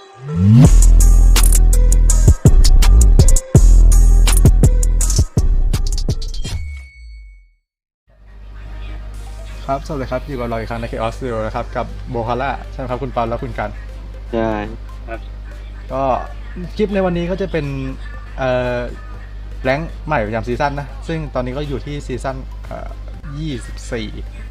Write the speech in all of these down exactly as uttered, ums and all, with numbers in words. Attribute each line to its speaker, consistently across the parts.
Speaker 1: ครับสวัสดีครับอยู่กับเราอีกครั้งใน Chaos Zero นะครับกับโบคาร่าใช่ไหมครับคุณปาและคุณกัน
Speaker 2: ใช่
Speaker 3: ครับ
Speaker 1: ก็คลิปในวันนี้ก็จะเป็นเอ่อแรงค์ใหม่ประจำซีซั่นนะซึ่งตอนนี้ก็อยู่ที่ซีซั่นเอ่อยี่สิบสี่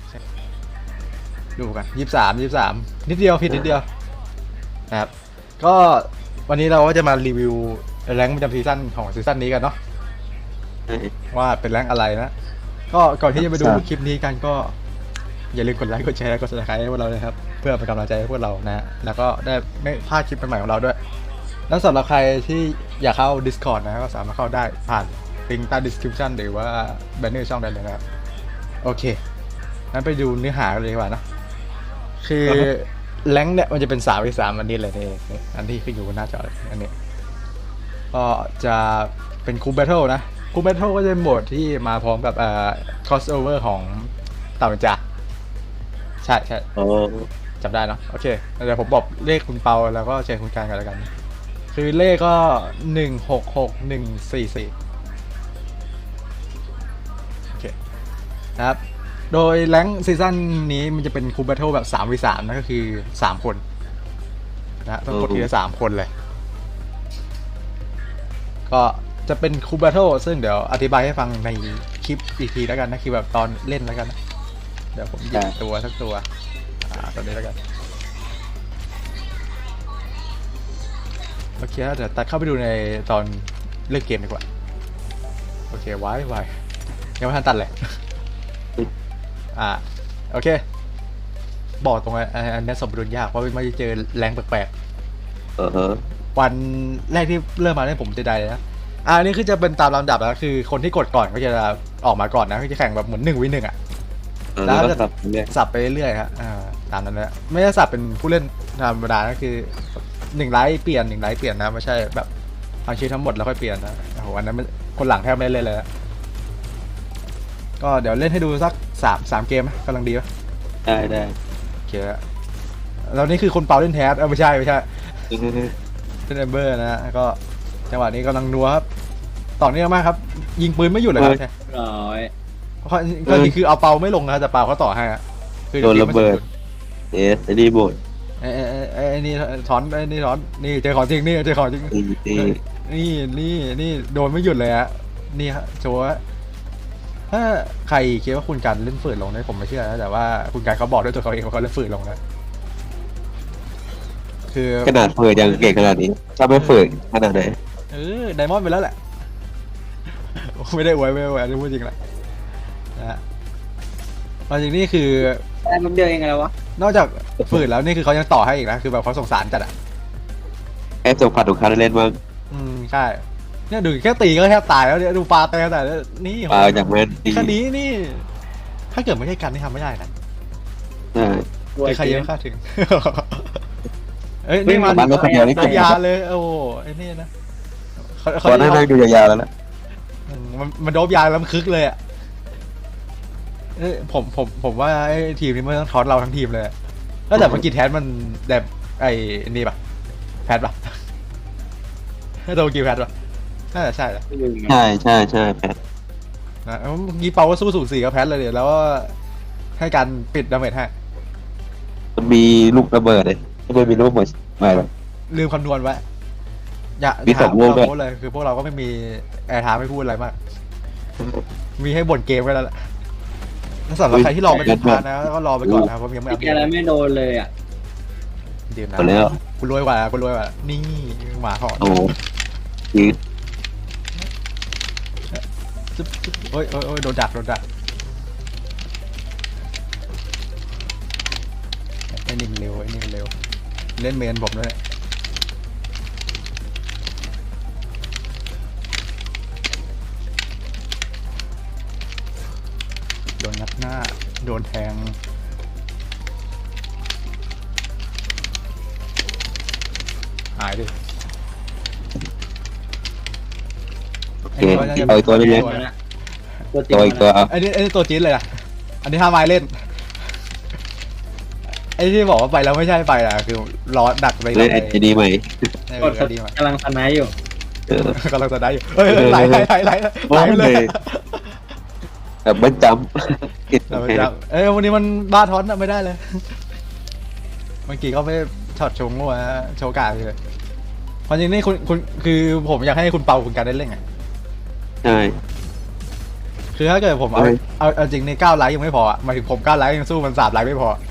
Speaker 1: ดูกันยี่สิบสามยี่สิบสามนิดเดียวผิดนิดเดียวนะครับก็วันนี้เราก็จะมารีวิวแรงค์ประจำซีซั่นของซีซั่นนี้กันเนาะว่าเป็นแรงค์อะไรนะก็ก่อนที่จะไปดูคลิปนี้กันก็อย่าลืมกดไลค์กดแชร์กด ซับสไครบ์ ให้พวกเราเลยครับเพื่อเป็นกำลังใจให้พวกเรานะฮะแล้วก็ได้ไม่พลาดคลิปใหม่ๆของเราด้วยแล้วสำหรับใครที่อยากเข้า Discord นะก็สามารถเข้าได้ผ่านลิงก์ใต้ description หรือว่าแบนเนอร์ช่องได้เลยนะครับโอเคงั้นไปดูเนื้อหากันเลยดีกว่านะคือแรงค์เนี่ยมันจะเป็นสามวิสามอันนี้เลยนี่อันที่ขึ้นอยู่บนหน้าจอเลยอันนี้ก็จะเป็นคูปแบทเทิลนะคูปแบทเทิลก็จะเป็นโหมดที่มาพร้อมกับเอ่อ crossover ของเต่าจ่าใช่ใช่จำได้เนาะโอเคเดี๋ยวผมบอกเลขคุณเปาแล้วก็เชิญคุณการกันแล้วกันคือเลขก็หนึ่งหกหกหนึ่งสี่สี่โอเคนะครับโดยแรงค์ซีซั่นนี้มันจะเป็นคูปแบทเทิลแบบสามวีสามนะก็คือสามคนนะต้องกดทีละสามคนเลยก็จะเป็นคูปแบทเทิลซึ่งเดี๋ยวอธิบายให้ฟังในคลิปอีกทีแล้วกันนะคือแบบตอนเล่นแล้วกันนะเดี๋ยวผมหยิบตัวสักตัวอ่าตัวนี้แล้วกันโอเคเดี๋ยวตัดเข้าไปดูในตอนเล่นเกมดีกว่าโอเคไว้ไว้ยังไม่ทันตัดเลยอ่าโอเคบอกตรงนี้อันนี้สมดุลยากเพราะไม่ได้เจอแรงแปลกๆเออวันแรกที่เริ่มมาเนี่ยผมจะได้เลยนะอ่านี่คือจะเป็นตามลำดับแล้วคือคนที่กดก่อนก็จะออกมาก่อนนะก็จะแข่งแบบเหมือนหนึ่งวิหนึ่งอ่ะแล้วก็สับสับไปเรื่อยๆครับอ่าตามนั้นแหละไม่ใช่สับเป็นผู้เล่นธรรมดาก็คือหนึ่งไลท์เปลี่ยนหนึ่งไลท์เปลี่ยนนะไม่ใช่แบบทั้งชีวิตทั้งหมดแล้วค่อยเปลี่ยนนะโอ้โหอันนั้นคนหลังแทบไม่เล่นเลยนะก็เดี๋ยวเล่นให้ดูสักสามสามเกมกำลังดีป่ะ
Speaker 2: ได้ได้
Speaker 1: โอเคแล้วนี่คือคนเป่าเล่นแทสเออไม่ใช่ไม่ใช่เล่นเอมเบอร์นะก็จังหวะนี้กำลังนัวครับต่อเนื่องมากครับยิงปืนไม่หยุดเลยครับ
Speaker 3: ร้อย
Speaker 1: ก็นี่คือเอาเป่าไม่ลงนะแต่เป่าเขาต่อให้
Speaker 2: โดนระเบิดเอสไอ้นี่บด
Speaker 1: ไอ้ไอ้ไอ้นี่ถอนไอ้นี่ถอนนี่เจอของจริงนี่เจอของจริงนี่นี่นี่โดนไม่หยุดเลยฮะนี่ฮะโชว์ถ้าใครคิดว่าคุณการเล่นฝืนลงเนี่ยผมไม่เชื่อนะแต่ว่าคุณการเขาบอกด้วยตัวเขาเองว่าเขาเล่นฝืนลงนะคือ
Speaker 2: ขนาดฝืนยังเก่งขนาดนี้ถ้าไม่ฝืนขนาดไหน
Speaker 1: เออไดมอนด์ไปแล้วแหละไม่ได้อวยไม่ได้อวยจะพูดจริงแหละนะฮะมาจริงนี่คือ
Speaker 3: ได้มันเดียวเองไงวะ
Speaker 1: นอกจากฝืนแล้วนี่คือเขายังต่อให้อีกนะคือแบบเขาสงสารจัดอ่ะ
Speaker 2: แอบส่งผัดของเขาเล่นบ้าง
Speaker 1: อืมใช่เนี่ยดูแค่ตีก็แทบตายแล้วเนี่ยดูปลาแต่แต่นี่
Speaker 2: ปลาจากแม่
Speaker 1: ดีคดีนี่ถ้าเกิดไม่ใช่กันนี่ทำไม่ได้นะใช่ใครยังคาดถึงเอ้ยนี่มันโดนยาเลยโอ้ไอ้นี่นะ
Speaker 2: เขาได้ได้ดูยาวๆแล้วนะ
Speaker 1: มันมันโดบยาแล้วมันคึกเลยอ่ะผมผมผมว่าไอ้ทีมนี้มันต้องทอดเราทั้งทีมเลยแล้วแต่เมื่อกี้แทสมันแบบไอ้นี่ปะแพทปะถ้าโดนกี่แพทปะน่าจะใช่แหละ
Speaker 2: ใช่ใช่ใช่แพท
Speaker 1: นะเมื่อกี้เปาว่าสู้สูสีกับแพทเลยเดี๋ยวแล้วก็ให้การปิดดาเมจให้
Speaker 2: มันมีลูกระเบิดเลยไม่ได้มีลูกระเบิดไม่เลย
Speaker 1: ลืมคำนวณไว้อย่า
Speaker 2: มีสองลูก
Speaker 1: เลยคือพวกเราก็ไม่มีแอร์ทามไม่พูดอะไรมากมีให้บ่นเกมไว้แล้วแหละสำหรับใครที่รอไปถึงพาร์ทนะก็รอไปก่อนนะเพราะยังไม่อัปเดต
Speaker 3: อะไรไม่โดนเลยอ่ะ
Speaker 1: เดี๋ยวนะคุณรวยกว่าคุณรวยกว่านี่หมาหอน
Speaker 2: โอ้ยืด
Speaker 1: โอ้ยโอ้ยโดนดักโดนดักไอ้นี่มันเร็วไอ้นี่มันเร็วเล่นเมนผมด้วยโดนนัดหน้าโดนแทงหายดิ
Speaker 2: โอเคเอาตัวนี้เลยตัวอีกตัว
Speaker 1: อันนี้อันนี้ตัวจี๊ดเลยอ่ะอันนี้ห้าไม้เล่นไอ้ที่บอกว่าไปแล้วไม่ใช่ไปอ่ะคือรอดักไป
Speaker 2: เล่นไอดีใหม่
Speaker 1: ใน
Speaker 3: กด
Speaker 1: ไอดีมาก
Speaker 3: ำลังสไนด์อยู่
Speaker 2: เออก
Speaker 1: ำลังจะได้อยู่เฮ้ยไหลไหลไหลไหลไหลไปเลย
Speaker 2: แบบเบิ้ลจัมป์
Speaker 1: เราจะเอ้ยวันนี้มันบ้าท้อนอะไม่ได้เลย เมื่อกี้เขาไม่ช็อตชงว่าโชว์กาดเลยความจริงนี่คุณคุณคือผมอยากให้คุณเปาคุณการได้เล่นไง
Speaker 2: ใช่
Speaker 1: คือถ้าเกิดผมเอา
Speaker 2: เอ้ย
Speaker 1: เอาเอาจริงในเก้าไลค์ยังไม่พออะหมายถึงผมเก้าไลค์ยังสู้มันสามไลค์ไม่พอ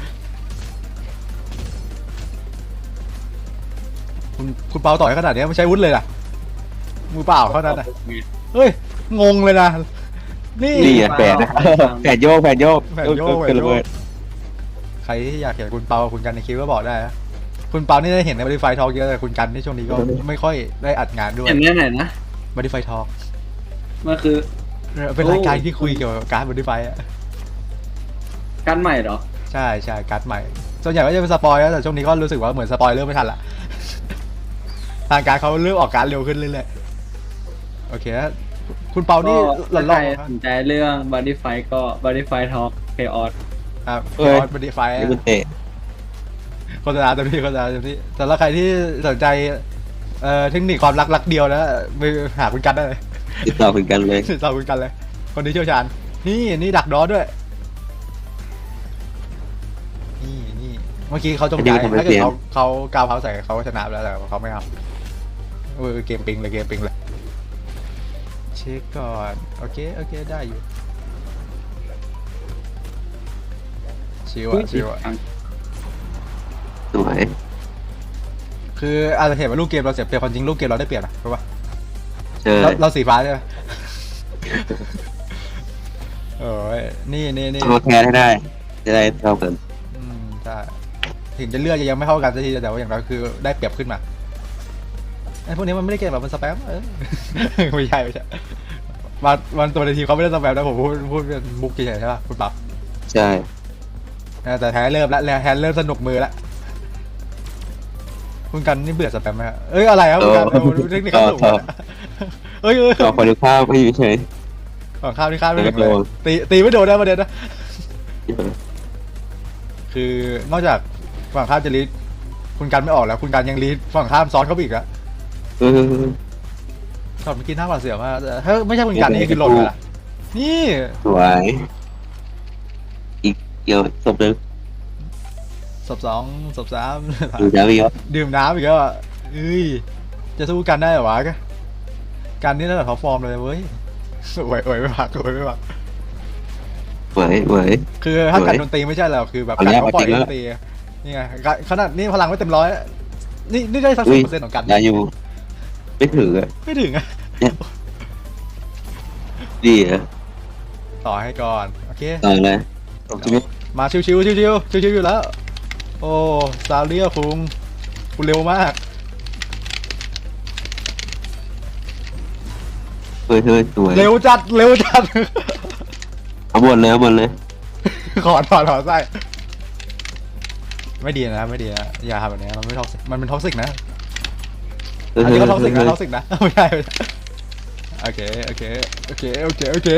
Speaker 1: คุณคุณเปาต่อยขนาดนี้ไม่ใช้วุ้นเลยล่ะมือเปล่าเท่านั้นนะเฮ้ยงงเลยนะนี่
Speaker 2: นี่อ่ะแฝดนะแฝดโยกแฝดโยก
Speaker 1: แฝดโยก
Speaker 2: เกิดระเบิด
Speaker 1: ใครที่อยากเห็นคุณเปาคุณกันในคลิปก็บอกได้นะคุณเปานี่ได้เห็นในบริไฟทอกเยอะแต่คุณกันที่ช่วงนี้ก็ไม่ค่อยได้อัดงานด้วย
Speaker 3: เห็นแน่ไหนนะ
Speaker 1: บริไฟทอก
Speaker 3: มันคือ
Speaker 1: เป็นรายการที่คุยเกี่ยวกับการบริไฟอะ
Speaker 3: การใหม่เหรอ
Speaker 1: ใช่ใช่การ์ดใหม่ส่วนใหญ่ก็จะเป็นสปอยแล้วแต่ช่วงนี้ก็รู้สึกว่าเหมือนสปอยเริ่มไม่ทันละ ทางการเขาเริ่มออกการดเร็วขึ้นเรื่อยๆโอเคนะคุณเปานี่หล่อน
Speaker 3: ใค
Speaker 1: ๆ
Speaker 3: ร
Speaker 1: ครับ
Speaker 3: สนใจเรื่อง Body Fight ก็ Body Fight Talk Chaos
Speaker 1: ครับ
Speaker 2: เอ้ย
Speaker 1: บริไฟ
Speaker 2: นี่มันเตะ
Speaker 1: โฆษณาเต็มที่โฆษณาเต็มที่แต่ละใครที่สนใจเอ่อเทคนิคความรักรักเดียวนะไปหาคุณกันได้เลย
Speaker 2: ติดต่อคุยกันเลย
Speaker 1: ติดต่อคุณกันเลย คนที่เชี่ยวชาญนี่นี่ดักดอด้วยนี่นี่เมื่อกี้เขาจงใจถ้าเกิดเขาเขากาวเขาใส่เขาก็ชนะไปแล้วแต่เขาไม่เอาเออเกมปิงเลยเกมปิงเลยเช็คก่อนโอเคโอเคได้อยู่ชิวอะชิวอะ
Speaker 2: สวย
Speaker 1: คืออาจจะเห็นว่าลูกเกมเราเสียเปรียบความจริงลูกเกมเราได้เปรียบนะรู้ปะ
Speaker 2: ใช่
Speaker 1: เราเราสีฟ้าใช่ไหม โอ้ยนี่นี่นี่
Speaker 2: ต้องมาแคร์ให้ได้ จะได้เท่ากัน
Speaker 1: อืมใช่ถึงจะเลือกยังไม่เท่ากันสักทีแต่ว่าอย่างน้อยคือได้เปรียบขึ้นมาไอ้พวกนี้มันไม่ได้เกมแบบมันสแปมเออ ไม่ใช่ไม่ใช่มาวันตัวในทีมเขาไม่ได้สแปมนะผมพูดพูดเป็นมุกเฉยๆใช่ป่ะคุณปั๊บ
Speaker 2: ใช่
Speaker 1: แต่แท้เริ่มแล้วแท้เริ่มสนุกมือแล้วคุณกันนี่เบื่อสแปมไหมฮะเอ้ยอะไรครับคุณกันเอาเทคนิคเขาสูงอะเอ้ยเอ้ย
Speaker 2: ต่อคนดูข้าวไม่อยู่เฉย
Speaker 1: ฝั่งข้าวที่ข้าวไม่ถึง
Speaker 2: ไม่
Speaker 1: เล
Speaker 2: โด
Speaker 1: ย
Speaker 2: น
Speaker 1: ตีตีไม่โดนนะประเด็นนะ คือนอกจากฝั่งข้ามจะลีดคุณกันไม่ออกแล้ว คุณกันยังลีดฝั่งข้ามซ้อนเข้าไปอีกอะ
Speaker 2: เออ
Speaker 1: ช็อตเมื่อกี้หน้าหวาดเสียวมากถ้าไม่ใช่คุณกันนี่คือหล่นเลยล่ะนี่
Speaker 2: สวย อีกเกี่ยวศพหนึ่ง
Speaker 1: ศพสองศพสาม
Speaker 2: ดูจะมีวะ
Speaker 1: ดื่มน้ำอีกแล้วอะเอ้ยจะสู้กันได้เหรอวะกันนี่ระดับท็อปฟอร์มเลยเว้ยโวยโวยไม่พักโวยไม่พัก
Speaker 2: ไหวไหว
Speaker 1: คือถ้า
Speaker 2: สวย
Speaker 1: กันดนตรีไม่ใช่แล้วคือแบบ
Speaker 2: เอา
Speaker 1: การ
Speaker 2: แล้ว
Speaker 1: เขาปล่อย
Speaker 2: เอาจริง
Speaker 1: ด
Speaker 2: แล้ว
Speaker 1: นตรีนี่ไงขนาดนี้พลังไม่เต็มร้อยนี่นี่ได้สัก
Speaker 2: อุ้
Speaker 1: สิบ
Speaker 2: ย
Speaker 1: เปอร์เซ็นต์ของกัน
Speaker 2: ได้อยู่ ไม่ถืออ่ะ
Speaker 1: ไม่ถึงอะ
Speaker 2: ดีอ่ะ
Speaker 1: ต่อให้ก่อนโอเค
Speaker 2: ต่อเลยจบชีวิต
Speaker 1: มาชิวๆชิวๆชิวๆอยู่แล้ว โอ้ซาเลียคุงคุณเร็วมาก
Speaker 2: เฮ้ยเฮ้ยสวย
Speaker 1: เร็วจัดเร็วจัด
Speaker 2: เอาหมดเลยเอาหมดเลย
Speaker 1: ขอถอดถอดไส้ไม่ดีนะไม่ดีนะอย่าทำแบบนี้มันไม่ท็อกซิกมันเป็นท็อกซิกนะ
Speaker 2: เฮ้ย
Speaker 1: อัน
Speaker 2: เฮ้
Speaker 1: นี้
Speaker 2: ย
Speaker 1: ก็ท็อกซิกนะ
Speaker 2: เฮ้ย
Speaker 1: ท็อกซิกนะไม่ใช่ไม่ใช่โอเคโอเคโอเคโอเคโอเค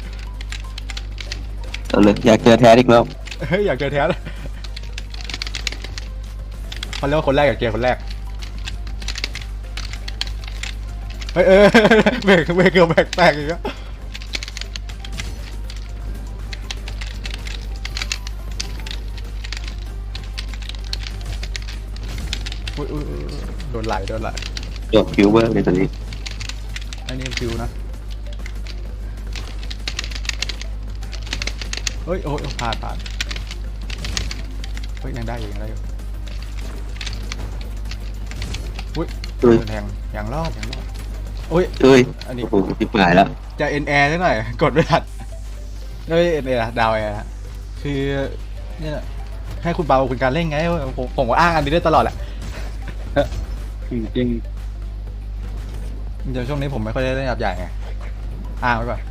Speaker 2: เอาเลยอยากเจอแท้อีกแล้ว
Speaker 1: เฮ้ยอยากเจอแท้เลยเขาเรียกว่าคนแรกอยากเจอคนแรกเฮ้ยเออเบรกเบรกเกือบเบรกแตกอีกแล้วอุ๊ยอุ๊ยอุ๊ยโดนไหลโดนไหล
Speaker 2: จบคิวมากเลยตอนนี้
Speaker 1: อันนี้ฟิวนะเฮ้ยโอ้ยผ่านผ่านเฮ้ยยังได้อยู่ยังได้อยู่อุ้ย
Speaker 2: เฮ้ย
Speaker 1: แทงยังรอดยังรอดโอ้ย
Speaker 2: เฮ้ย
Speaker 1: อันนี้
Speaker 2: โอ้โหจิบหายแล้ว
Speaker 1: จะเอ็นแอร์สักหน่อยกดไม่ทันไม่เอ็นแอร์ดาวแอร์คือเนี่ยให้คุณเปาคุณการเล่นไงผมผมก็อ้างอันนี้ได้ตลอดแหละ
Speaker 3: จริงจริง
Speaker 1: เดี๋ยวช่วงนี้ผมไม่ค่อยได้เล่นยับใหญ่ไงอ้างไว้ก่อน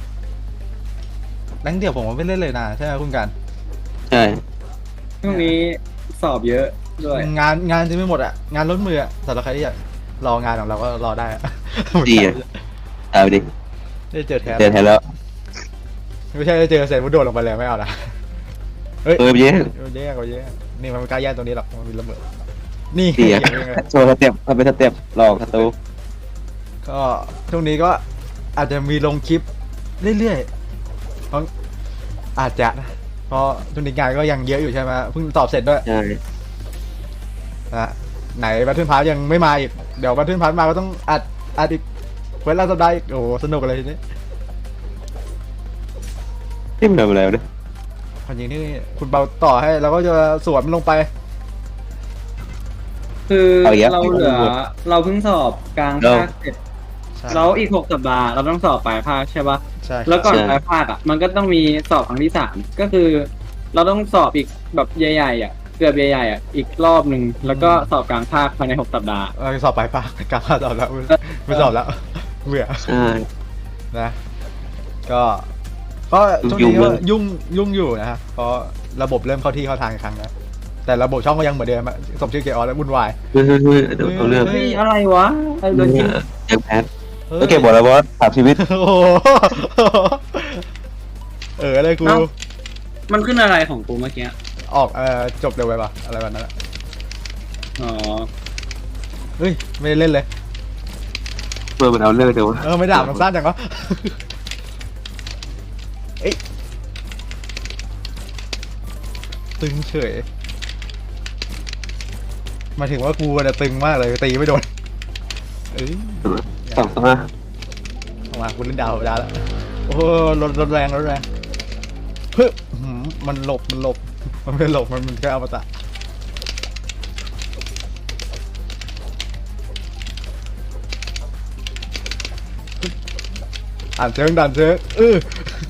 Speaker 1: แรงเดียวผมก็ไม่เล่นเลยนะใช่ไหมคุณการ
Speaker 2: ใช่
Speaker 3: ๆช่วงนี้สอบเยอะด้วย
Speaker 1: งานงานจะไม่หมดอ่ะงานล้นมืออ่ะสำหรับใครที่อยากรองานของเราก็รอได้อะ
Speaker 2: ดีอ่ะเอาดิ
Speaker 1: ได้เจอแทน
Speaker 2: เจอแท้แล้ว
Speaker 1: ไม่ใช่ได้เจอเสร็จมุดโดดลงไปเลยไม่เอานะเฮ้ย
Speaker 2: เออเย้
Speaker 1: แย่กว่าแย่นี่มันไม่กล้าแย่งตรงนี้หรอกมันมีระเบิดนี่
Speaker 2: เสีย
Speaker 1: อย่างเงี้ย
Speaker 2: โชว์สเต็ปทำเป็นสเต็ปหลอกศัตรู
Speaker 1: ก็ช่วงนี้ก็อาจจะมีลงคลิปเรื่อยๆเพราะอาจจะนะเพราะช่วงนี้งานก็ยังเยอะอยู่ใช่ไหมเพิ่งสอบเสร็จด้วย
Speaker 2: ใช่
Speaker 1: นะไหนบัตเทิลพาร์ยังไม่มาอีกเดี๋ยวบัตเทิลพาร์มาก็ต้องอัดอัดอีกเวลาสัปดาห์อีกโอ้โหสนุกอะไรทีนี้
Speaker 2: ที่มันทำอะไรวะเนี่ย
Speaker 1: ความจริงนี่คุณเบาต่อให้เราก็จะสวนมันลงไป
Speaker 3: คือเราเหลือเราเพิ่งสอบกลางภาคเสร็จ
Speaker 1: ใช่
Speaker 3: แล้วอีกหกสัปดาห์เราต้องสอบปลายภาคใช่ปะ
Speaker 1: ใช่ครับ
Speaker 3: แล้วก่อนปลายภาคอ่ะมันก็ต้องมีสอบครั้งที่สามก็คือ เราต้องสอบอีกแบบใหญ่ๆอ่ะเกือบใหญ่ๆอ่ะอีกรอบหนึ่งแล้วก็สอบกลางภาคภายในหกสัปดาห์
Speaker 1: เออสอบไปปะกลับมาสอบแล้วไม่สอบแล้วเบื่อ
Speaker 2: ใช่
Speaker 1: นะก็ก็ช่วงนี้ก็ยุ่งยุ่งอยู่นะฮะเพราะระบบเริ่มเข้าที่เข้าทางอีกครั้งนะแต่ระบบช่องก็ยังเหมือนเดิมอะสมชื่อเกออแล้ววุ่นวาย
Speaker 2: เฮ้ยเฮ้ยเฮ้ยเดี๋ยวเอาเรื่อง
Speaker 3: เฮ้ยอะไรวะไอ้โดนยิง
Speaker 2: แจ็คแพทก็เก็บบอกแล้วว่าถามชีวิต
Speaker 1: โอ้โหเอออะไรกู
Speaker 3: มันขึ้นอะไรของกูเมื่อกี้
Speaker 1: ออกเออจบเร็วไปปะอะไรแบบนั้นอะ
Speaker 3: อ๋อ
Speaker 1: เฮ้ยไม่ได้เล่นเลย
Speaker 2: เพื่อมันเอาเรื่องเดี๋ยว
Speaker 1: เออไม่ด่ามันสั้นจังวะเอ้ยตึงเฉยหมายถึงว่ากูเนี่ยตึงมากเลยตีไม่โดนเอ้ย
Speaker 2: สองสมา
Speaker 1: ออกมากูเล่นดาวธรรมดาแล้วโอ้โหรถรถแรงรถแรงเฮ้ยหืมมันหลบมันหลบมันไม่หลบมันมันแค่อมตะอ่านเชิงดันเชิงเออ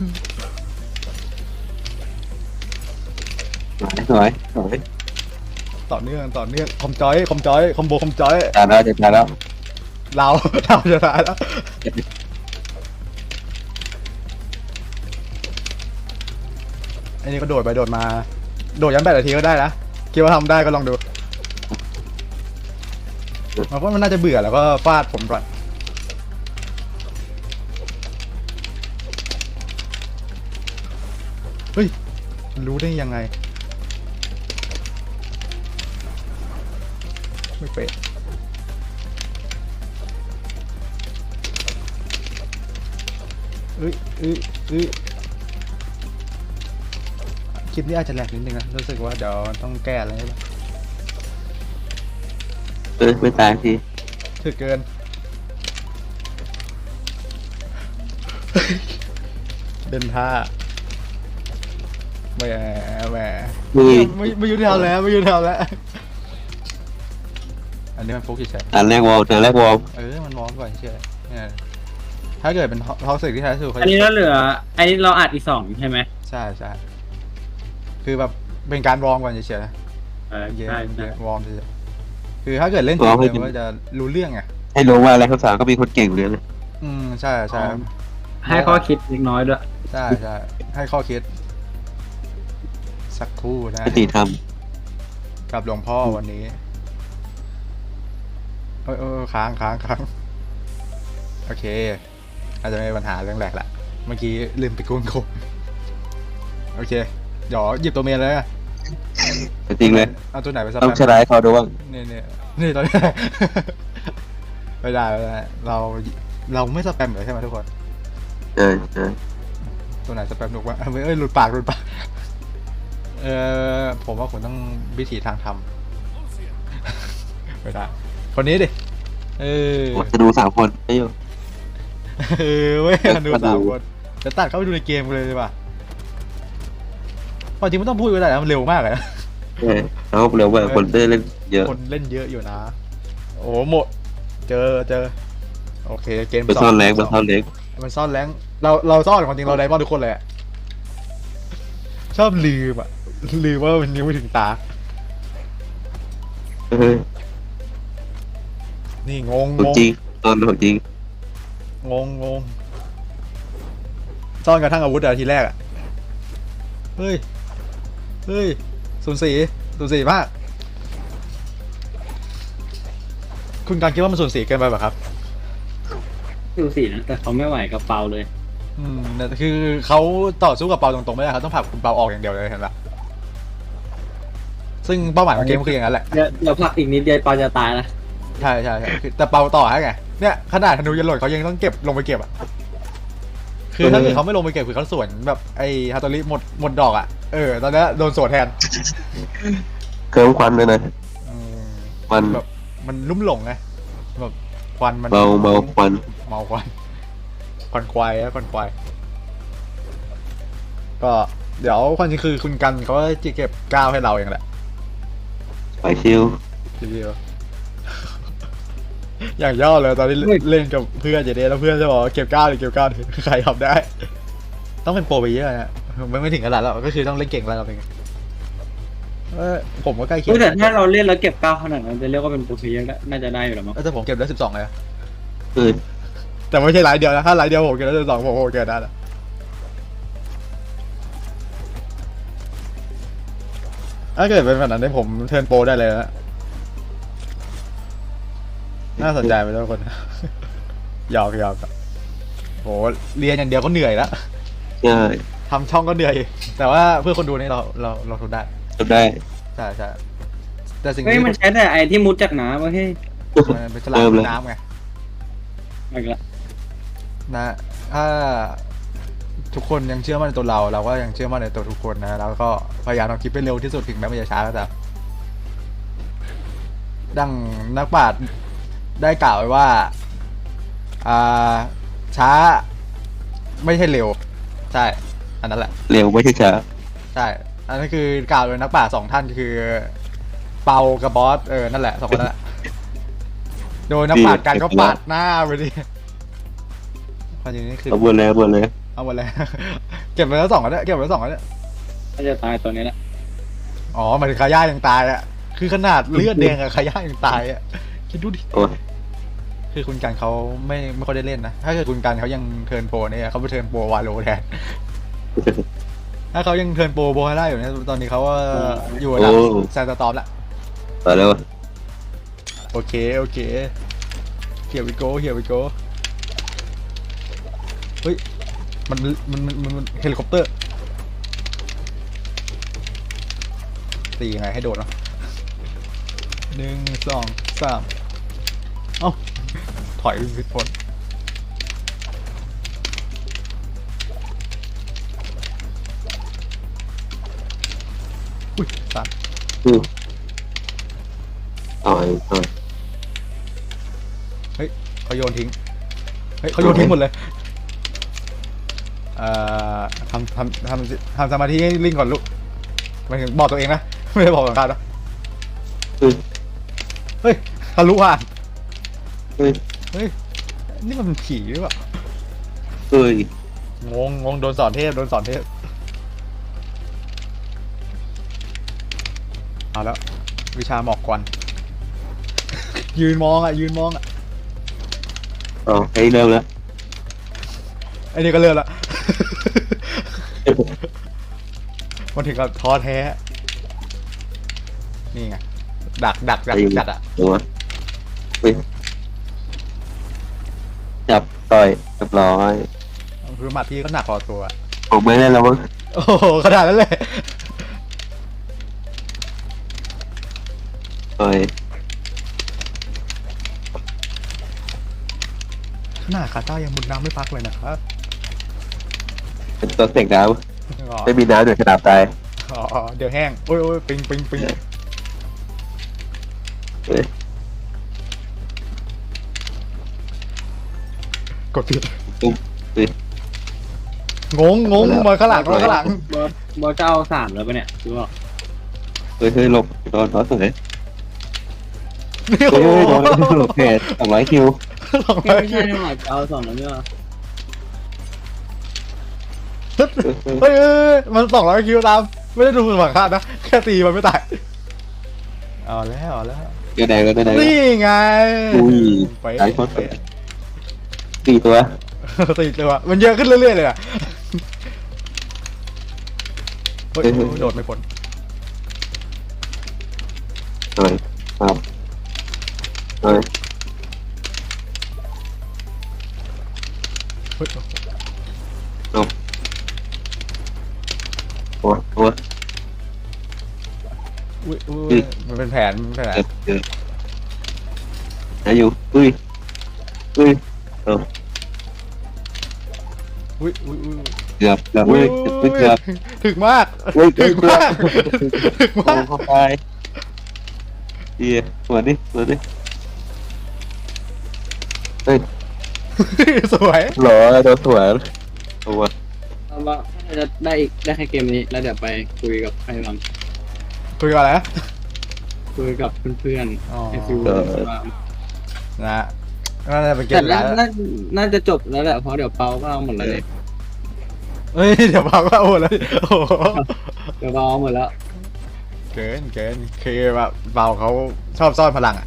Speaker 2: สวยสวย
Speaker 1: ต่อเนื่องต่อเนื่องคอมจอยคอมจอยคอมโบคอมจอย
Speaker 2: ตายแล้วจะตายแล้ว
Speaker 1: เรา เราจะตายแล้วอันนี้ก็โดดไปโดดมาโดดยันแปดนาทีก็ได้นะคิดว่าทำได้ก็ลองดูมันว่ามันน่าจะเบื่อแล้วก็ฟาดผมก่อนเฮ้ยรู้ได้ยังไงไม่เป๊ะเอ้ยเอ้ยเอ้ยคลิปนี้อาจจะแหลกนิดนึงนะรู้สึกว่าเดี๋ยวต้องแก้อะไรบ้าง
Speaker 2: เออไม่ตายที
Speaker 1: ถึกเกิน เดินท่าแหมแหม
Speaker 2: มือ
Speaker 1: ไม่ไม่ยุติธรรมแล้วไม่ยุติธรรมแล้วอันนี้มันฟุกเฉย
Speaker 2: อันแรกวอลอันแรกวอล
Speaker 1: ๆเออมันมองก่อนเฉยเนี่ยถ้าเกิดเป็นท็อกซิกที่แท้สุดเขา
Speaker 3: อันนี้เราเหลืออันนี้เราอัดอีกสองใช่ไหม
Speaker 1: ใช่ใช่คือแบบเป็นการวอร์มก่อนเฉยๆนะ
Speaker 3: เออ
Speaker 1: เยอะ
Speaker 3: ใช่
Speaker 1: เย
Speaker 3: ใช่
Speaker 1: อะวอร์มเฉยๆคือถ้าเกิดเล่นจริงๆมันก็จะรู้เรื่องไง
Speaker 2: ให้รู้ว่าอะไรภาษาก็มีคนเก่งเหมือนกัน
Speaker 1: อืมใช่ใช่
Speaker 3: ให้ข้อคิดเล็กน้อยด้วย
Speaker 1: ใช่ใช่ให้ข้อคิด สักครู่นะ
Speaker 2: ปฏิธรรม
Speaker 1: กับหลวงพ่อวันนี้เออเออค้างค้างค้างโอเค อาจจะไม่มีปัญหาเรื่องแหลกละเมื่อกี้ลืมไปกุ้งกบโอเคเดี๋ยวหยิบตัวเมียเลยอะ
Speaker 2: จริงเลย
Speaker 1: เอาตัวไหนไปส
Speaker 2: ต้อง
Speaker 1: แปม
Speaker 2: ชนะให้เขาดูบ้าง
Speaker 1: นี่นี่นี่ตัวนี้ ไม่ได้ไม่ได้เราเราไม่สแปมเลยใช่ไหมทุกคน
Speaker 2: เออเออ
Speaker 1: ตัวไหนสแปมหนุกวะเอ้ยหลุดปากหลุดปากเออผมว่าผมต้องวิธีทางทำ ไม่ได้คนนี้ดิเออ
Speaker 2: จะดูสามคนได้อยู่
Speaker 1: เออเว้ยดูสามคนจะตัดเข้าไปดูในเกมกันเลยดีป่ะความจริงไม่ต้องพูดก็ได้นะมันเร็วมากเลยนะ
Speaker 2: เออแล้วเร็วกว่าคนได้เล่นเยอะ
Speaker 1: คนเล่นเยอะอยู่นะ โอ้โหหมดเจอเจอโอเคเกม
Speaker 2: ไปซ่อนแรงไปซ่อนแรง
Speaker 1: มันซ่อนแรงเราเราซ่อนความจริงเราไดมอนด์ทุกคนเลยอะชอบลืมอ่ะลืมว่ามันยังไม่ถึงตา
Speaker 2: เออ
Speaker 1: นี่งง
Speaker 2: ของ
Speaker 1: ง
Speaker 2: จริงตอนของจริง
Speaker 1: งงงงซ่อนกระทั่งอาวุธอะทีแรกอะเฮ้ยเฮ้ยศูนย์สี่ศูนย์สี่มากคุณการคิดว่ามันศูนย์สี่เกินไปป่ะครับ
Speaker 3: ดูสินะแต่เขาไม่ไหวกับเปาเลย
Speaker 1: อืมแต่คือเขาต่อสู้กับเปาตรงๆไม่ได้เขาต้องผลักคุณเปาออกอย่างเดียวเลยเห็นปะซึ่งเป้าหมายของเกมคืออย่างนั้นแหละ
Speaker 3: เดี๋ยวเดี๋ยวพักอีกนิดเดียวปาจะตายนะ
Speaker 1: ใช่ใช่ใช่คือแต่เปาต่อให้ไงเนี่ยขนาดธนูยันโหลดเขายังต้องเก็บลงไปเก็บอ่ะคือถ้าเกิดเขาไม่ลงไปเก็บคือเขาสวนแบบไอ้ฮาโตริหมดหมดดอกอ่ะเออตอนนี้โดนสวนแทน
Speaker 2: เครื่องควันเลยนะ
Speaker 1: อืม
Speaker 2: มัน
Speaker 1: แบบมันลุ่มหลงไงแบบควันมัน
Speaker 2: เมาเมาควัน
Speaker 1: เมาควันควันควายอะควันควายก็เดี๋ยวความจริงคือคุณกันเขาจะเก็บก้าวให้เราเองแหละ
Speaker 2: ไปชิว
Speaker 1: ทีเดียว อย่างย่อเลยตอนนี้เล่นกับเพื่อนจะเดแล้วเพื่อนจะบอกว่าเก็บก้าวหรือเก็บก้าวดิใครทำได้ ต้องเป็นโปรไปเยอะนะไม่ไม่ถึงขนาดแล้วก็คือต้องเล่นเก่งแล้วเราเองเออผมก็ใกล้เคีย
Speaker 3: เฮ้ยแต่
Speaker 1: ง
Speaker 3: ถ้าเราเล่นแล้วเก็บเก้าขนาดนั้นจะเรียกว่าเป็นโปรเพลเยอร์ได้น่าจะได้อยู่แล้วมั้ง
Speaker 1: เออแต่ผมเก็บได้สิบสองเลยอะ
Speaker 2: คือ
Speaker 1: แต่ไม่ใช่รายเดียวนะถ้ารายเดียวผมเก็บได้สิบสองผมโอเคได้แล้วถ้าเกิดเป็นแบบนั้นได้ผมเทิร์นโปรได้เลยนะน่าสนใจไปทุกคน หยอกหยอกโหเรียนอย่างเดียวก็เหนื่อยแล้ว
Speaker 2: ใช่
Speaker 1: ทำช่องก็เหนื่อย แต่ว่าเพื่อคนดูนี่เราเราเราทนได้
Speaker 2: ทำได้
Speaker 1: ใช่ใช่แต่สิ่ง
Speaker 3: เฮ้ย
Speaker 1: ที่
Speaker 3: มันใช้แต่ไอ้ที่มุดจากน้ำเว้ยเฮ้ย
Speaker 1: มันเป็นฉลามน้ำไง
Speaker 3: อีกละ
Speaker 1: นะถ้าทุกคนยังเชื่อมั่นในตัวเรา เราก็ยังเชื่อมั่นในตัวทุกคนนะแล้วก็พยายามทำคลิปให้เร็วที่สุดถึงแม้มันจะช้าก็ตามดังนักปราชญ์ได้กล่าวไว้ว่าอ่าช้าไม่ใช่เร็วใช่อันนั้นแหละ
Speaker 2: เร็วไม่ใช่ช้า
Speaker 1: ใช่ อันนั้นคือกล่าวโดยนักปราชญ์สองท่านคือเปากับบอสเออนั่นแหละสองคนนั่นแหละโดยนักปราชญ์กันก็ปาดหน้าไปดิความจริงนี่คือ
Speaker 2: เอาหมดเลยเอาหมดเลย
Speaker 1: เอาหมดเลย เก็บไปแล้วสองอันเนี่ยเก็บไปแล้วสองอันเนี่ย
Speaker 3: น่าจะตายตัวนี้แหละ
Speaker 1: อ๋อหมายถึงคาย่ายังตายอ่ะคือขนาดเลือดแดงอะคาย่ายังตายอ่ะคิดดูดิ
Speaker 2: โอ้ย
Speaker 1: คือคุณกันเขาไม่ไม่ค่อยได้เล่นนะถ้าเกิดคุณกันเขายังเทิร์นโปรเนี่ยเขาไปเทิร์นโปรวาโลแทน ถ้าเขายังเทิร์นโปรโบฮาร่าอยู่เนี่ยตอนนี้เขาว่าอยู่ระดับแซนต์ตอมละ
Speaker 2: ต่อแล้ว
Speaker 1: โอเคโอเคเฮียวิโกเฮียวิโกเฮ้ยมันมันมันมันมันเฮลิคอปเตอร์ตียังไงให้โดดเนาะหนึ่งสองสามเอ้าถอยผิดพ้นอุ้ยสั่น
Speaker 2: อือต่อยต่อย
Speaker 1: เฮ้ยเขาโยนทิ้งเฮ้ยเขาโยนทิ้งหมดเลยเอ่อทำทำทำทำสมาธิให้ลิงก่อนลูกหมายถึงบอกตัวเองนะ ไม่ได้บอกสังกัดนะ
Speaker 2: อือ
Speaker 1: เฮ้ยทะลุผ่าน
Speaker 2: เฮ้ย
Speaker 1: เฮ้ยนี่มันผีหรือเปล่า
Speaker 2: เฮ้ย
Speaker 1: งงงงโดนสอนเทพโดนสอนเทพเอาแล้ววิชาหมอกควัน ยืนมองอ่ะยืนมองอ่ะ
Speaker 2: อ๋อให้เริ่มแล้ว
Speaker 1: ไอ้นี่ก็เลิกละ มันถึงกับท้อแท้ นี่ไงดักดักดักจัดอ่ะ
Speaker 2: ตัวเฮ้ยจับต่อยเรียบร้อย
Speaker 1: คือหมัดที่ก็หนักพอตัวอะ
Speaker 2: ผมไม่เล่นแล้วมั้ง
Speaker 1: โอ้โหขนาดนั้นเลย
Speaker 2: ต่อย
Speaker 1: ขนาดคาต้ายังมุดน้ำไม่พักเลยนะครับ
Speaker 2: เป็นตัวเสกน้
Speaker 1: อ๋อ
Speaker 2: ำไม่มีน้ำเดี๋ยวขนาดตาย
Speaker 1: อ๋อเดี๋ยวแห้งโอ้ยโอ้ยปิงปิงปิง
Speaker 2: เฮ้ย
Speaker 1: กดผิด
Speaker 2: ตุ้มเฮ้ย
Speaker 1: งงงงมาข้างหลังมาข้างหลัง
Speaker 3: บอสบอสจะเอาสามแล้วปะเนี่ยรู้ป่ะ
Speaker 2: เฮ้ยเฮ้ยหลบโดนโดนเลย
Speaker 1: นี่
Speaker 2: เฮ้
Speaker 1: โอ้
Speaker 2: ย
Speaker 1: โห
Speaker 2: โดนหลบเพจสองร้อยคิว
Speaker 1: สองร้
Speaker 3: ไม่
Speaker 1: อย
Speaker 3: ใช่นี่หว่าจะเอาสองแล้วเนี่ย
Speaker 1: เฮ้ยเฮ้ยเฮ้ยมันสองร้อยคิวตาม ไม่ได้ดูสมังคาดนะ แค่ตีมันไม่ตาย เอาแล้วเอาแล้ว
Speaker 2: เดี๋ยวแดงก็ได้แดง
Speaker 1: นี่ไง
Speaker 2: อุ้ย
Speaker 1: ไป
Speaker 2: หลายคน สี่ตัว
Speaker 1: สี่ตัวมันเยอะขึ้นเรื่อยๆเลยอ่ะเฮ้ยโดดไม่พ้น
Speaker 2: หน่อยครับหน่อย
Speaker 1: เฮ้ย
Speaker 2: หลบตัวตัว
Speaker 1: อุ้ยอุ้เป็นแผนเป็นแผน
Speaker 2: เกือบเกือบอายุอุ้ยอุ้ยเออ
Speaker 1: อุ้ยอุ้ยอุ้ย
Speaker 2: เกือบเกือบ
Speaker 1: อุ้
Speaker 2: อุ้
Speaker 1: ย
Speaker 2: ยเกือบ
Speaker 1: ถึกมาก
Speaker 2: อุ้ยเกื
Speaker 1: ถึ
Speaker 2: อบ
Speaker 1: ก
Speaker 2: เกือ
Speaker 1: มาก
Speaker 2: บ
Speaker 1: ถึก
Speaker 2: โอ้
Speaker 1: มาก
Speaker 2: เข้าไปเดียหัวดิหัวดิเฮ้ย
Speaker 1: สวย
Speaker 2: หล่อโดนสวยตัว
Speaker 3: เอาว่าถ้าจะได้อีกได้แค่เกมนี้แล้วเดี๋ยวไปคุยกับใครบ้าง
Speaker 1: คุยกันแล้ว
Speaker 3: คุยกับเพื่อน
Speaker 1: อ๋อ
Speaker 3: ๆไอฟิว
Speaker 1: นะฮะน่าจะเป็นเก
Speaker 3: แต่
Speaker 1: ม
Speaker 3: น่า
Speaker 1: แล้ว
Speaker 3: น่าน่าจะจบแล้วแหละเพราะเดี๋ยวเปาก็เอาหมดแล้วเนี่ย
Speaker 1: เฮ้ยเดี๋ยวบอกว่าโอ้แล้วโอ้โห
Speaker 3: เดี๋ยวเปาเอาหมดแล้ว
Speaker 1: เกินเกินคือแบบเบาเขาชอบซ่อนพลังอ่ะ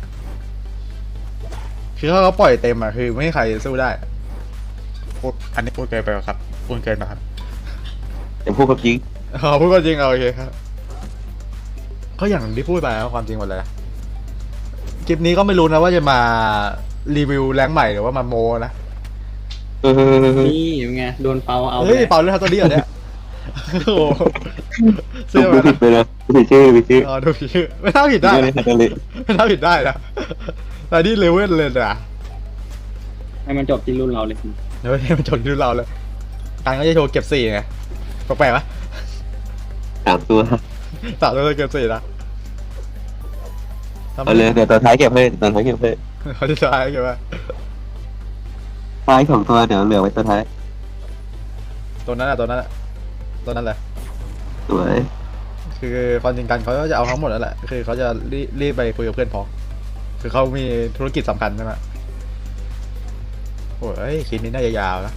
Speaker 1: คือถ้าเขาปล่อยเต็มอ่ะคือไม่มีใครสู้ได้พูดอันนี้พูดเกินไปป่ะครับพูดเกินไปครับ
Speaker 2: แต่พูดกับจริง
Speaker 1: อ๋อพูดก็จริงเอาโอเคครับก็อย่างที่พูดไปนะความจริงหมดเลยคลิปนี้ก็ไม่รู้นะว่าจะมารีวิวแรงค์ใหม่หรือว่ามาโมนะ
Speaker 2: เออ
Speaker 3: นี่ยังไงโดนเปาเอา
Speaker 1: เฮ้ย
Speaker 3: ไป
Speaker 1: เปล่าเรื่องตัวนี้เหรอเนี่ยโอ้โห
Speaker 2: ผ
Speaker 1: เสื้อ
Speaker 2: ม
Speaker 1: มา
Speaker 2: ผิดไปแล้วผิดชื่อผิดชื่อ
Speaker 1: อ๋อดูชื่อไม่น่าผิดได้
Speaker 2: ไม่ได้ทันเลย
Speaker 1: ไม่น่าผิดได้นะแต่นี่เลเวลเลยนะ
Speaker 3: ให้มันจบที่รุ่นเราเลย
Speaker 1: เดี๋ยวให้มันจนรุ่นเราเลยการก็จะโชว์เก็บสี่ไงแปลกๆไหม
Speaker 2: สามตัว
Speaker 1: สามตัวเก็บสี่นะ
Speaker 2: เอาเลยเดี๋ยวตอนท้ายเก็บให้ตอนท้ายเก็บให้
Speaker 1: เขาจะใช้เก็บว่า
Speaker 2: ท้ายสองตัวเดี๋ยวเหลือไว้ตอนท้าย
Speaker 1: ตัวนั้นแหละตัวนั้นแหละตัวนั้นแหละ
Speaker 2: สวย
Speaker 1: คือความจริงกันเขาก็จะเอาทั้งหมดแล้วแหละคือเขาจะรีบรีบไปคุยกับเพื่อนพ้องคือเขามีธุรกิจสำคัญใช่ไหมโอ้ยคลิปนี้น่าจะยาวนะ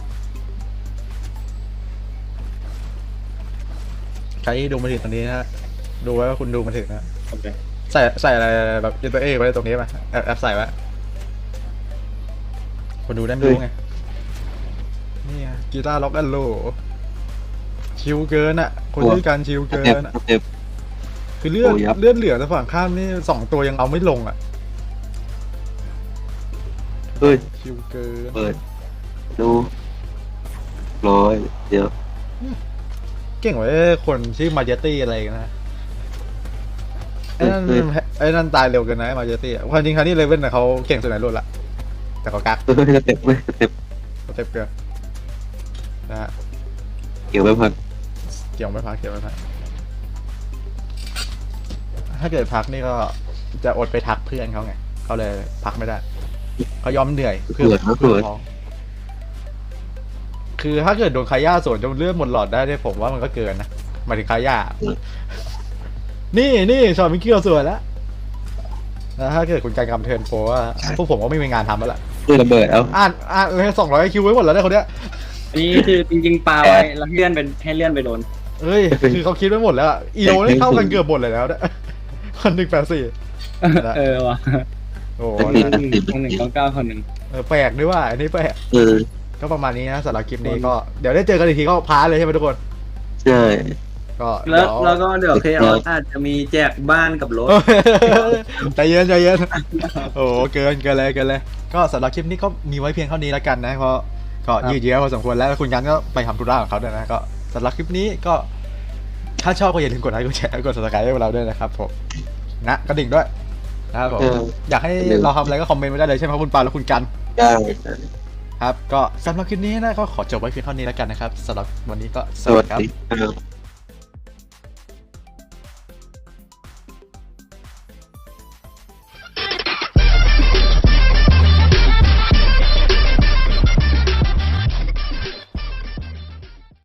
Speaker 1: ใครที่ดูมาถึงตรงนี้นะดูไว้ว่าคุณดูมาถึงนะ
Speaker 3: โอเค
Speaker 1: ใส่ใส่อะไรแบบยูตัวเอไว้ตรงนี้ไหมแอบแอบใส่ไว้คนดูได้ไม่รู้ไงนี่ไงกีตาร์ล็อกแอนโลชิวเกินอ่ะคนที่การชิว
Speaker 2: ส
Speaker 1: เกิ
Speaker 2: เต็ป
Speaker 1: นอ่ะ
Speaker 2: สเต็ป
Speaker 1: คือเลือด
Speaker 2: โอ้ยับ
Speaker 1: เลือดเหลือแต่ฝั่งข้ามนี่สองตัวยังเอาไม่ลงอ่ะ
Speaker 2: เฮ้ย
Speaker 1: ชิวเกิน
Speaker 2: เปิดดูร้อยเดี๋ยว
Speaker 1: เก่งไว้คนชื่อมาเจตี้อะไรกันนะไอ้นั่นไอ้นั่นตายเร็วเกินนะมาเจตี้ความจริงครั้งนี้เลเว่นนะเขาเก่งสุดในรุ่นละแต่เขากัก
Speaker 2: เฮ้ยสเต็ปเว้ยสเต็ป
Speaker 1: สเต็ปเกินนะฮะ
Speaker 2: เกี่ยวไปพัก
Speaker 1: เกี่ยวไม่พักเกี่ยวไม่พักถ้าเกิดพักนี่ก็จะอดไปทักเพื่อนเขาไงเขาเลยพักไม่ได้เขายอมเหนื่อยเพื่อเพื่อท้องคือถ้าเกิดโดนคาย่าสวนจนเลือดหมดหลอดได้เนี่ยผมว่ามันก็เกินนะหมายถึงคาย่านี่นี่ชอบมิกกี้เราสวยแล้วแล้วถ้าเกิดคุณการกำเทิร์นโปรว่าพวกผมก็ไม่มีงานทำแล้วล่ะ
Speaker 2: เพื่อระเบิดเอา
Speaker 1: อ่านอ่านเลยสองร้อยคิวไว้หมดแล้วเนี่ยคนเนี้ย
Speaker 3: อันนี้คือจริงๆปาไว้แล้วเลื่อนเป็นให้เลื่อนไปโดน
Speaker 1: เฮ้ยคือเขาคิดไว้หมดแล้วอะอีโอนี่เข้ากันเกือบหมดเลยแล้วเนี่ยคนหนึ่งแปดสี่
Speaker 3: เออว่ะ
Speaker 1: โอ้โห
Speaker 3: คนหนึ่งคนหนึ่งเก้าเก้าคนหนึ่ง
Speaker 1: เออแปลกด้วยว่าอันนี้แปลก
Speaker 2: เออ
Speaker 1: ก็ประมาณนี้นะสำหรับคลิปนี้ก็เดี๋ยวได้เจอกันอีกทีก็พาร์ทเลยใช่ไหมทุกคน
Speaker 2: ใช่
Speaker 1: ก็
Speaker 3: แล้ว
Speaker 1: เดี๋ยว
Speaker 3: แล้วก็เดี๋ยวเคอออาจจะมีแจกบ้านกับรถ
Speaker 1: ใจเย็นใจเย็นโอ้โหเกินเกินเลยเกินเลย ก็สำหรับคลิปนี้ก็มีไว้เพียงเท่านี้แล้วกันนะเพราะก็ยืดเยื้อพอสมควรแล้วคุณกันก็ไปทำธุระของเขาด้วยนะก็สำหรับคลิปนี้ก็ถ้าชอบก็อย่าลืมกดไลค์กดแชร์กด subscribe ให้พวกเราด้วยนะครับผมนะกระดิ่งด้วยนะครับผมอยากให้เราทำอะไรก็คอมเมนต์ไว้ได้เลยใช่ไหมครับคุณปาและคุณกัน
Speaker 2: ได้
Speaker 1: ครับก็สำหรับคลิปนี้นะก็ขอจบไว้เพียงเท่านี้แล้วกันนะครับสำหรับวันนี้ก็
Speaker 2: สวัสดีครับ